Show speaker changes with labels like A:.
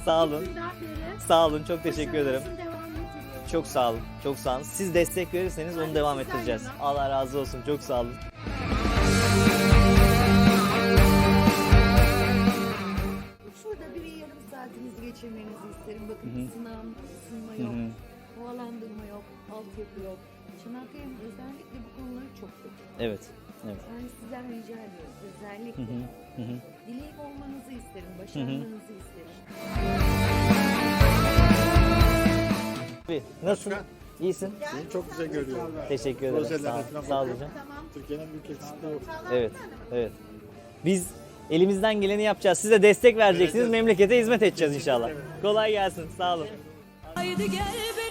A: Sağ olun.
B: Günden beri
A: Sağ olun. Çok teşekkür ederim.
B: başarınızın devamını diliyorum.
A: Çok sağ olun. Çok sağ olun. Siz destek verirseniz onu devam ettireceğiz. Allah razı olsun. Çok sağ olun.
B: Şurada bir yarım saatinizi geçirmenizi isterim. Bakın ısınma
A: Hı
B: yok,
A: hı.
B: havalandırma yok, altyapı yok. Çanakkale'nin özellikle bu konuları çok kötü.
A: Evet. Evet.
B: Yani sizden rica ediyorum
A: Hı
B: özellikle.
A: hı. Hı hı.
B: Dilek olmanızı isterim, başarmanızı isterim.
A: Abi, nasılsın? İyisin.
C: Seni çok güzel görüyorum.
A: Teşekkür ederim.
C: Projelerine
A: Sağ ol.
C: falan
A: Sağ ol
C: bakıyorum.
A: hocam.
B: Tamam.
C: Türkiye'nin büyük elçisi de o.
A: Evet. Evet. Biz elimizden geleni yapacağız. Siz de destek vereceksiniz.
C: Evet.
A: Memlekete hizmet edeceğiz inşallah. Kolay gelsin. Sağ olun.
D: Haydi gel